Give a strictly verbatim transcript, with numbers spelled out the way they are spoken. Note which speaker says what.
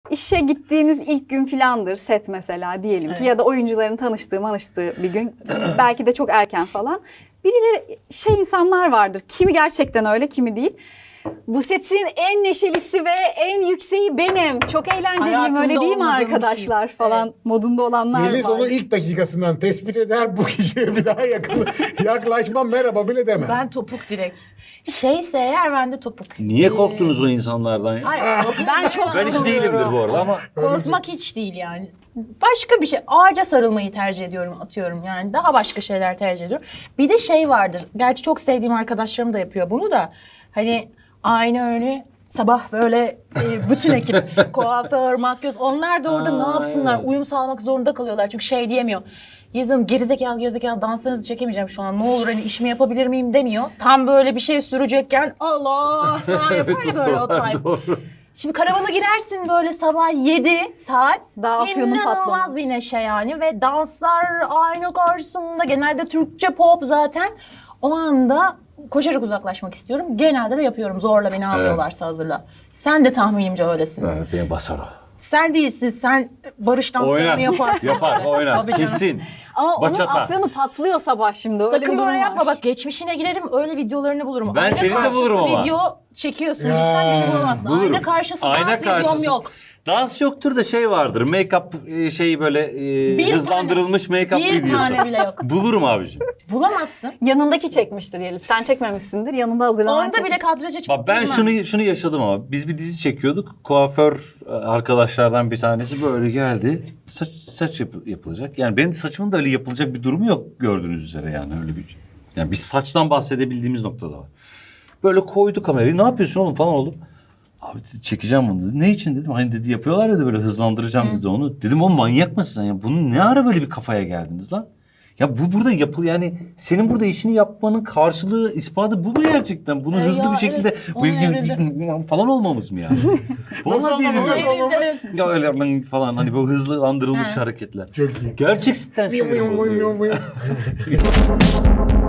Speaker 1: işe gittiğiniz ilk gün filandır set mesela diyelim ki
Speaker 2: Evet.
Speaker 1: ya da oyuncuların tanıştığı manıştığı bir gün belki de çok erken falan. Birileri şey insanlar vardır. Kimi gerçekten öyle, kimi değil. Bu setin en neşelisi ve en yükseği benim. Çok eğlenceliyim,
Speaker 2: Hayatımda
Speaker 1: öyle değil mi
Speaker 2: olmadığım bir
Speaker 1: arkadaşlar
Speaker 2: şey.
Speaker 1: falan
Speaker 2: Evet.
Speaker 1: modunda olanlar
Speaker 3: Yeliz
Speaker 1: var.
Speaker 3: onu ilk dakikasından tespit eder, bu kişiye bir daha yakın, yaklaşmam, merhaba bile demem.
Speaker 2: Ben topuk direkt. Şeyse eğer ben de topuk.
Speaker 4: Niye
Speaker 2: Ee,
Speaker 4: korktunuz o insanlardan ya?
Speaker 2: Hayır,
Speaker 1: Ben çok
Speaker 4: Ben hiç değilimdir bu arada ama
Speaker 2: korkmak hiç değil yani. Başka bir şey. Ağaca sarılmayı tercih ediyorum, atıyorum yani. Daha başka şeyler tercih ediyorum. Bir de şey vardır. Gerçi çok sevdiğim arkadaşlarım da yapıyor bunu da. Hani aynı öyle sabah böyle e, bütün ekip kuaför, makyöz onlar da orada
Speaker 4: Aa,
Speaker 2: ne yapsınlar?
Speaker 4: evet.
Speaker 2: Uyum sağlamak zorunda kalıyorlar. Çünkü şey diyemiyor. Yazın gerizekalı gerizekalı danslarınızı çekemeyeceğim şu an. Ne olur hani işimi yapabilir miyim demiyor. Tam böyle bir şey sürecekken Allah falan yapar ya böyle o time.
Speaker 4: doğru.
Speaker 2: Şimdi karavana girersin böyle sabah yedi saat.
Speaker 1: Daha afyonun
Speaker 2: İnanılmaz
Speaker 1: patlaması.
Speaker 2: bir neşe yani ve danslar aynı karşısında genelde Türkçe pop zaten. O anda koşarak uzaklaşmak istiyorum. Genelde de yapıyorum. Zorla beni almıyorlarsa hazırla. Sen de tahminimce öylesin.
Speaker 4: Evet, beni basar o.
Speaker 2: Sen değilsin. Sen barış danslarını
Speaker 4: Oynar.
Speaker 2: yaparsın.
Speaker 4: Yapar, oynar.
Speaker 2: Tabii canım.
Speaker 4: Kesin.
Speaker 1: Ama
Speaker 4: Bachata.
Speaker 1: onun afyonu patlıyor sabah şimdi. Öyle bir
Speaker 2: Sakın
Speaker 1: durum
Speaker 2: böyle
Speaker 1: var.
Speaker 2: yapma bak geçmişine girerim öyle videolarını bulurum.
Speaker 4: Ben senin de
Speaker 2: karşısı
Speaker 4: bulurum ama.
Speaker 2: video çekiyorsun
Speaker 3: Ya,
Speaker 2: sen beni bulamazsın.
Speaker 4: bulurum.
Speaker 2: Ayna karşısı
Speaker 4: Ayna
Speaker 2: dans videom
Speaker 4: karşısı.
Speaker 2: yok.
Speaker 4: Dans yoktur da şey vardır. Make-up e, şeyi böyle e,
Speaker 2: Bir
Speaker 4: hızlandırılmış make-up
Speaker 2: Bir
Speaker 4: videosu.
Speaker 2: tane bile yok.
Speaker 4: Bulurum abiciğim.
Speaker 2: Bulamazsın.
Speaker 1: Yanındaki çekmiştir Yeliz. Sen çekmemişsindir. Yanında hazırlanan
Speaker 2: Onda bile
Speaker 1: çekmiştir.
Speaker 2: kadraja çok
Speaker 4: Bak ben
Speaker 2: girmem.
Speaker 4: şunu şunu yaşadım ama biz bir dizi çekiyorduk. Kuaför e, arkadaşlardan bir tanesi böyle geldi. Saç saç yap- yapılacak. Yani benim saçımın da öyle yapılacak bir durumu yok gördüğünüz üzere yani öyle bir. Yani biz saçtan bahsedebildiğimiz noktada var. Böyle koydu kamerayı. Ne yapıyorsun oğlum falan oldu. Abi dedi, çekeceğim bunu dedi. Ne için dedim. Hani dedi yapıyorlar ya da böyle hızlandıracağım dedi onu. Dedim oğlum manyak mısın sen ya? Bunun ne ara böyle bir kafaya geldiniz lan? Ya bu burada yapıl yani senin burada işini yapmanın karşılığı ispatı bu mu gerçekten? Bunu
Speaker 2: E
Speaker 4: hızlı
Speaker 2: ya,
Speaker 4: bir şekilde
Speaker 2: evet, onun evrildi.
Speaker 4: falan olmamız mı yani?
Speaker 3: Nasıl
Speaker 4: Vallahi
Speaker 3: olmamız,
Speaker 4: değiliz.
Speaker 3: nasıl olmamız?
Speaker 4: Ya öyle ben falan hani bu hızlandırılmış
Speaker 2: Ha.
Speaker 4: hareketler.
Speaker 3: Çok iyi.
Speaker 4: Gerçekten
Speaker 3: Mıyım,
Speaker 4: sinir
Speaker 3: mıyım,
Speaker 4: bozuyor.
Speaker 3: mıyım, mıyım.